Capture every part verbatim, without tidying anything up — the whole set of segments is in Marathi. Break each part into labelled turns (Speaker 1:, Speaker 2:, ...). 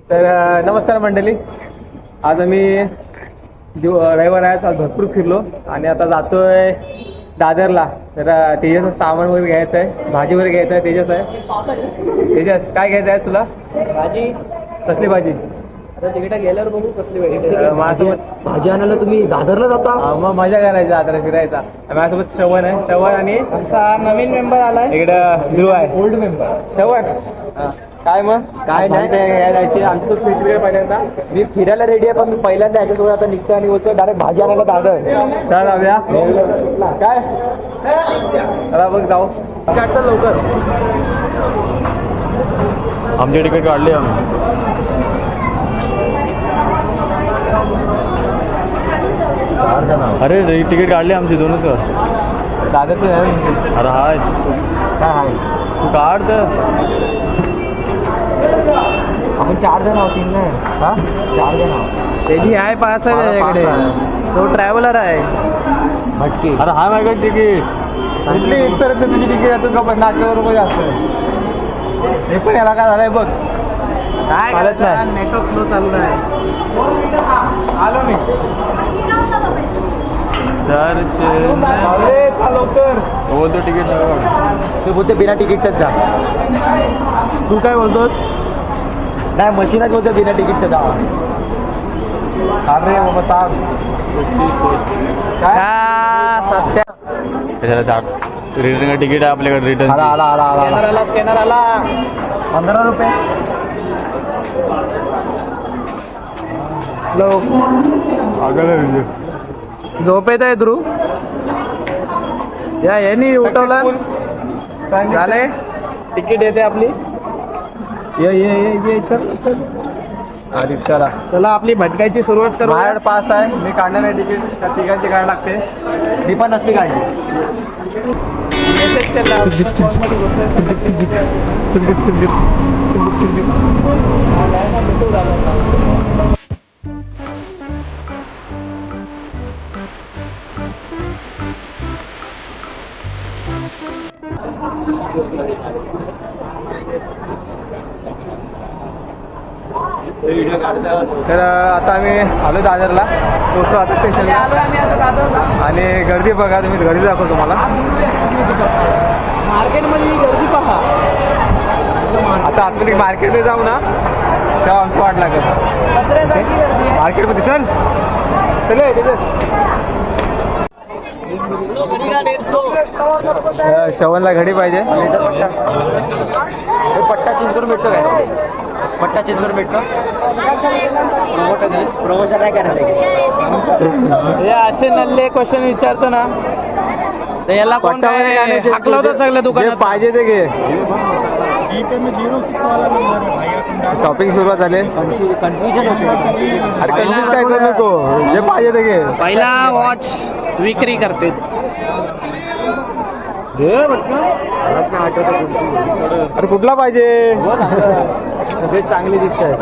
Speaker 1: तर अ, नमस्कार मंडळी. आज आम्ही दिव रविवार आहे, आज भरपूर फिरलो आणि आता जातोय दादरला. तर अ, तेजसचं सामान वगैरे घ्यायचं आहे, भाजी वगैरे घ्यायचं आहे. तेजस आहे. तेजस काय घ्यायचं आहे तुला?
Speaker 2: भाजी
Speaker 1: कसली भाजी?
Speaker 2: आता तिकडे गेल्यावर बघू कसली
Speaker 1: अ, माझ्यासोबत
Speaker 2: भाजी आणायला तुम्ही दादरला जाता.
Speaker 1: अ, मग मजा करायची दादरला फिरायचा. माझ्यासोबत श्रवण आहे. श्रवण आणि
Speaker 2: आमचा नवीन मेंबर आलाय,
Speaker 1: इकडं ध्रुव आहे.
Speaker 2: Old member.
Speaker 1: श्रवण काय मग
Speaker 2: काय नाही.
Speaker 1: घ्यायला जायची आमच्यासोबत फिश वगैरे पहिल्यांदा.
Speaker 2: मी फिरायला रेडी आहे, पण मी पहिल्यांदा याच्यासोबत आता निघतो आणि बोलतो डायरेक्ट भाजी आणायला दादर.
Speaker 1: चला जाऊया. काय चला बघ जाऊ.
Speaker 2: काढचा लवकर.
Speaker 3: आमची तिकीट काढली आम्ही.
Speaker 2: चार जण
Speaker 3: अरे रे तिकीट काढली आमची दोनच का.
Speaker 1: दादरचं आहे.
Speaker 3: अरे हाय
Speaker 1: काय आहे?
Speaker 3: तू काढ तर.
Speaker 2: आपण चार जण आहोत. तीन नाही,
Speaker 1: हा
Speaker 2: चार जण आहोत.
Speaker 4: त्याची आहे पास आहे त्याच्याकडे, तो ट्रॅव्हलर आहे.
Speaker 2: भटकी.
Speaker 3: अरे हाय माझ्याकडे तिकीट.
Speaker 1: कुठली इथपर्यंत तुझी तिकीट आहे? तुझं पण नाटकावर मध्ये असतं. हे पण याला काय झालंय बघ.
Speaker 4: काय
Speaker 1: चालत नाही.
Speaker 4: नेटवर्क स्लो चालू आहे.
Speaker 1: आलो मी.
Speaker 3: चर्च
Speaker 1: अरे चल लवकर.
Speaker 3: बोलतो तिकीट नका.
Speaker 2: ते बोलते बिना तिकीटच जा.
Speaker 4: तू काय बोलतोस?
Speaker 2: नाही, मशीनच बोलतो बिना तिकीटचं जा.
Speaker 1: अरे बाबा ताप. काय
Speaker 4: का सत्या
Speaker 3: कशाला चार रिटर्न तिकीट आहे आपल्याकडे. रिटर्न
Speaker 1: आला आला आला आला
Speaker 4: स्कॅनर आला, स्कॅनर आला.
Speaker 1: पंधरा रुपये.
Speaker 4: झोपेत आहे ध्रुव. या यांनी उठवलं. झाले, तिकीट येते आपली.
Speaker 1: ये ये ये ये चल चल. हा रिक्षाला
Speaker 4: चला आपली भटकायची सुरुवात करू.
Speaker 1: माझ्याकडे पास आहे. मी काढणार नाही तिकीट. त्या तिघांची काढ लागते.
Speaker 2: मी पण नसते काढली.
Speaker 4: मेसेज केला.
Speaker 1: तर आता आम्ही आलो दादरला. पोहोचलो आता स्टेशनला. आणि गर्दी बघा तुम्ही. गर्दी दाखवतो तुम्हाला.
Speaker 4: मार्केटमध्ये गर्दी पहा.
Speaker 1: आता आतमध्ये मार्केटमध्ये जाऊ ना, तेव्हा आमचं वाट लागेल.
Speaker 4: पत्र्यासारखी गर्दी आहे.
Speaker 1: मार्केटमध्ये चल चल ये, तेजस. अ, श्रवणला घडी पाहिजे.
Speaker 2: पट्टा चेंज करून भेटतो काय? पट्टा चेंज करून भेटतो. प्रमोशन नाही करायला.
Speaker 4: हे असे नल्ले क्वेश्चन विचारतो ना, तर याला कोण
Speaker 1: पट्टा वगैरे
Speaker 4: काय
Speaker 1: आणायचे.
Speaker 4: हाकलवतं सगळं
Speaker 1: जे
Speaker 4: दुकानात.
Speaker 1: पाहिजे ते घे. शॉपिंग सुरुवात झाली.
Speaker 2: कन्फ्युजन होते.
Speaker 1: अरे कन्फ्युज काय करू नको. जे पाहिजे ते घे.
Speaker 4: पहिला वॉच विक्री करते.
Speaker 1: अरे कुठला पाहिजे?
Speaker 2: सगळे चांगले दिसत आहेत.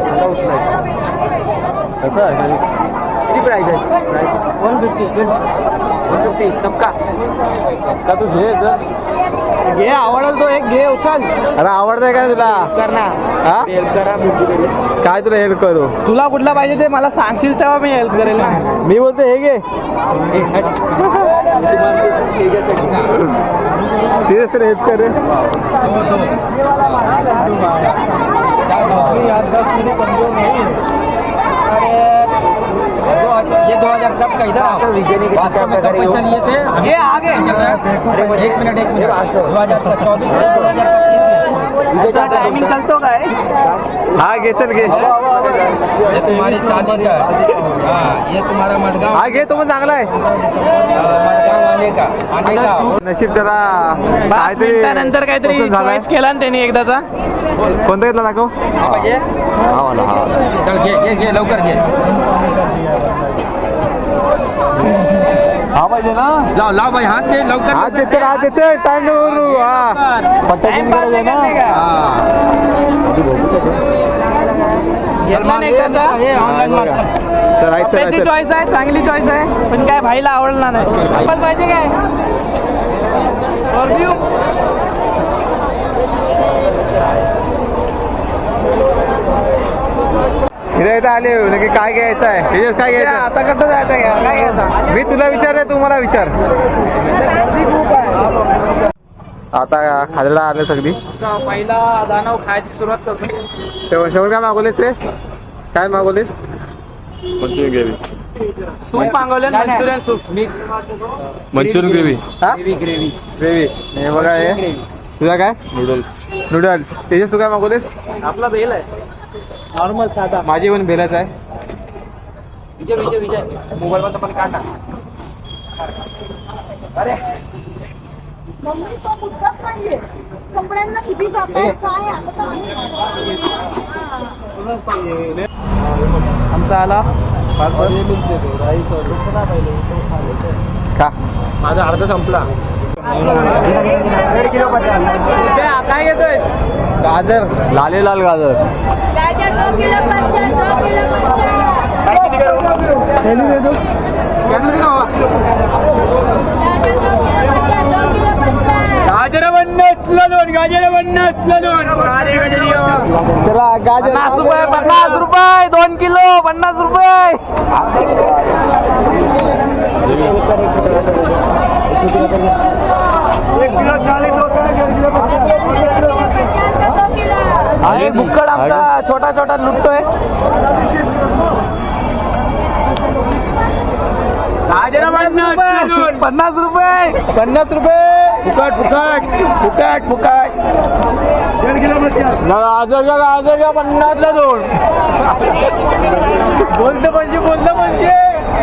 Speaker 2: किती प्राइस आहे? वन फिफ्टी वन फिफ्टी सबका सबका तू घे जर
Speaker 4: घे, आवडेल तो एक घे, उचल.
Speaker 1: अरे आवडतंय काय तुला?
Speaker 4: करणार
Speaker 1: हा
Speaker 2: हेल्प करा.
Speaker 1: काय तुला हेल्प करू?
Speaker 4: तुला कुठला पाहिजे ते मला सांगशील तेव्हा मी हेल्प करेल ना.
Speaker 1: मी बोलतो हे घे. तेच तर हेल्प कर रे.
Speaker 2: ये दो हजार कब का इधर पैसा लिए थे.
Speaker 4: ये आगे
Speaker 2: एक मिनट एक मिनट दो हजार चौबीस
Speaker 4: तुझा टायमिंग कळतो काय?
Speaker 1: हा घे चल घे.
Speaker 2: ये तुम्हारी शादी का हाँ, ये तुम्हारा मडगांव
Speaker 1: हा घे तो पण चांगला आहे.
Speaker 2: मडगांव आने का आने का
Speaker 1: नशीब जरा
Speaker 4: पाच मिनिटानंतर काहीतरी
Speaker 1: पसंत झालाय.
Speaker 4: चॉईस केला ना त्यांनी एकदाचा.
Speaker 1: कोणता घेतला दाखव.
Speaker 2: हा पाहिजे.
Speaker 1: हा वाला हा वाला.
Speaker 2: चल घे घे घे लवकर घे.
Speaker 1: हा पाहिजे ना.
Speaker 2: लाव लाव भाई हाथ दे लवकर.
Speaker 1: हा ते चल हा ते चल. टाइम नको करू. हा
Speaker 2: पट्टा
Speaker 4: Time pass नाही करते का? घेतला ना एकदाचा.
Speaker 2: ऑनलाईन मागचा.
Speaker 1: चल आहे चल
Speaker 4: त्याची
Speaker 1: चल.
Speaker 4: चॉईस आहे, चांगली चॉईस आहे, पण काय भाईला आवडला नाही. आपण पाहिजे काय? Review?
Speaker 1: इथं आले नक्की काय घ्यायचं आहे तेजस काय घ्यायचं
Speaker 2: आता कसं जायचं घ्या काय घ्यायचं
Speaker 1: मी तुला विचारलं तू मला विचार
Speaker 2: गर्दी खूप आहे.
Speaker 1: आता खादडा आले सगळी
Speaker 2: आता पहिला दानव खायची सुरुवात करतो.
Speaker 1: शेवट शेवट काय मागवलेस रे काय मागवलेस
Speaker 3: मंचुरियन ग्रेव्ही
Speaker 2: सूप मागवले मंचुरियन सूप मी
Speaker 3: मंचुरियन ग्रेव्ही
Speaker 1: हा
Speaker 2: ग्रेव्ही ग्रेव्ही
Speaker 1: ग्रेव्ही हे बघा हे तुझा काय
Speaker 3: नूडल्स
Speaker 1: नूडल्स तेजस तू काय मागवलेस
Speaker 2: आपला बेल आहे नॉर्मल साधा.
Speaker 1: माझी पण भेलच आहे
Speaker 2: विजय विजय विजय मोबाईल मध्ये पण काढा. अरे
Speaker 5: मम्मी तो मुद्दाच नाहीये कपड्यांना किती जात आहे काय आता तर नाही.
Speaker 2: आमचा आला पार्सल.
Speaker 1: का
Speaker 2: माझा अर्धा संपला. काय घेतोय
Speaker 1: गाजर
Speaker 3: लाले लाल गाजर
Speaker 5: गाजर दो किलो पचास दो किलो पचास गाजर दो किलो पचास दो किलो पचास
Speaker 2: गाजर पन्नासला दोन गाजर पन्नासला दोन
Speaker 1: त्याला गाजर
Speaker 2: पन्नास रुपये पन्नास रुपये दोन किलो पन्नास रुपये. एक किलो चालीस आहे बुक्कड आमचा छोटा छोटा लुटतोय. गाजर पन्नास रुपये पन्नास रुपये फुकट फुकट फुकट फुकट गाजर का गाजर का पन्नासला दोन. बोलतं म्हणजे बोलतं म्हणजे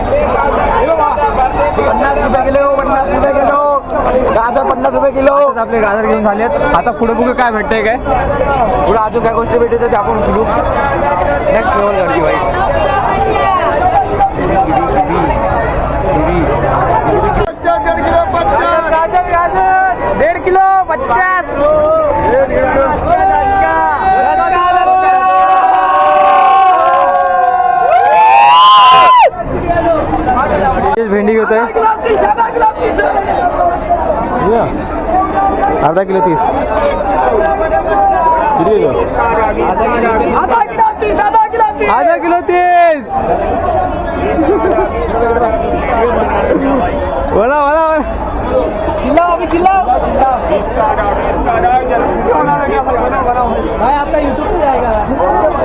Speaker 2: पन्नास रुपये किलो पन्नास रुपये किलो गाजर पन्नास रुपये किलो.
Speaker 1: आपले गाजर घेऊन झालेत आता पुढे बघू काय भेटतंय काय
Speaker 2: पुढे अजून काय गोष्टी भेटते ते आपण उचलू. नेक्स्ट लेवल गर्दी भाई. गाजर गाजर डेढ़ किलो पचास
Speaker 1: भेंडी घेतोय अर्धा किलो तीस आधा किलो तीस बोला बोला
Speaker 2: चिल्लाओ अभी चिल्लाओ भाई आपका यूट्यूब पे जाएगा.